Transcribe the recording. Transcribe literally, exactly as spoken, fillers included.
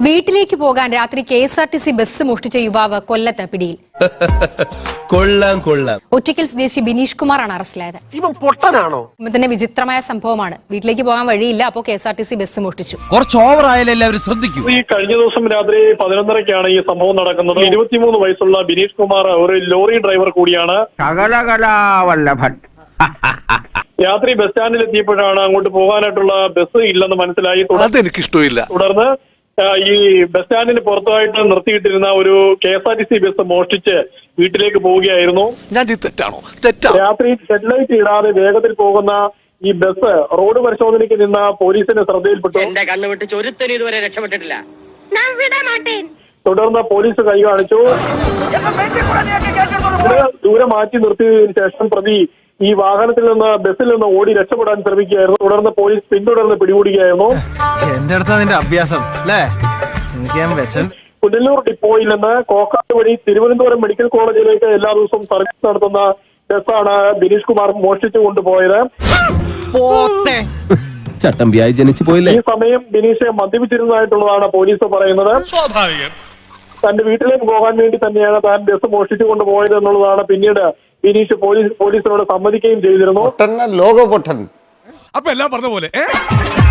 വീട്ടിലേക്ക് പോകാൻ രാത്രി K S R T C bus മോഷ്ടിച്ച യുവാവ് കൊല്ലത്ത് പിടിയിൽ. കൊള്ളാം കൊള്ളാം. ഒറ്റയ്ക്കൽ സ്വദേശി ബിനീഷ് കുമാറാണ് അറസ്റ്റിലായത്. ഇവൻ പൊട്ടനാണോ? തന്നെ വിചിത്രമായ സംഭവമാണ്. വീട്ടിലേക്ക് പോകാൻ വഴിയില്ല, അപ്പോൾ K S R T C bus മോഷ്ടിച്ചു. കുറച്ച് ഓവർ ആയാലും എല്ലാവരും ശ്രദ്ധിക്കും. ഈ കഴിഞ്ഞ ദിവസം രാത്രി പതിനൊന്നരക്കാണ് ഈ സംഭവം നടക്കുന്നത്. ഇരുപത്തിമൂന്ന് വയസ്സുള്ള ബിനീഷ് കുമാർ ഒരു ലോറി ഡ്രൈവർ കൂടിയാണ്. രാത്രി ബസ് സ്റ്റാൻഡിൽ എത്തിയപ്പോഴാണ് അങ്ങോട്ട് പോകാനായിട്ടുള്ള ബസ് ഇല്ലെന്ന് മനസ്സിലായി. അതെനിക്കിഷ്ടമില്ല. തുടർന്ന് ഈ ബസ് സ്റ്റാൻഡിന് പുറത്തായിട്ട് നിർത്തിയിട്ടിരുന്ന ഒരു K S R T C bus മോഷ്ടിച്ച് വീട്ടിലേക്ക് പോവുകയായിരുന്നു. രാത്രി ഹെഡ്ലൈറ്റ് ഇടാതെ വേഗത്തിൽ പോകുന്ന ഈ ബസ് റോഡ് പരിശോധനയ്ക്ക് നിന്ന പോലീസിന്റെ ശ്രദ്ധയിൽപ്പെട്ടു. എന്റെ കണ്ണു വെട്ടിച്ച് ഒരുത്തനും ഇതുവരെ രക്ഷപ്പെട്ടിട്ടില്ല. തുടർന്ന് പോലീസ് കൈ കാണിച്ചു. ദൂരെ മാറ്റി നിർത്തിയതിനു ശേഷം പ്രതി ഈ വാഹനത്തിൽ നിന്ന് ബസ്സിൽ നിന്ന് ഓടി രക്ഷപ്പെടാൻ ശ്രമിക്കുകയായിരുന്നു. തുടർന്ന് പോലീസ് പിന്തുടർന്ന് പിടികൂടുകയായിരുന്നു. എന്റെ അടുത്ത നിന്റെ അഭ്യാസം അല്ലേ? പുനലൂർ ഡിപ്പോയിൽ നിന്ന് കോക്കാട് വഴി തിരുവനന്തപുരം മെഡിക്കൽ കോളേജിലേക്ക് എല്ലാ ദിവസവും സർവീസ് നടത്തുന്ന ബസ്സാണ് ബിനീഷ് കുമാർ മോഷ്ടിച്ചു കൊണ്ടുപോയത്. ചട്ടമ്പിയായി ജനിച്ചു പോയില്ലേ? ഈ സമയം ബിനീഷ് മദ്യപിച്ചിരുന്നതായിട്ടുള്ളതാണ് പോലീസ് പറയുന്നത്. തന്റെ വീട്ടിലേക്ക് പോകാൻ വേണ്ടി തന്നെയാണ് താൻ ബസ് മോഷ്ടിച്ചു കൊണ്ടുപോയത് എന്നുള്ളതാണ് പിന്നീട് ബിനീഷ് പോലീസ് പോലീസിനോട് സമ്മതിക്കുകയും ചെയ്തിരുന്നു. ലോക പൊട്ടൻ. അപ്പൊ എല്ലാം പറഞ്ഞ പോലെ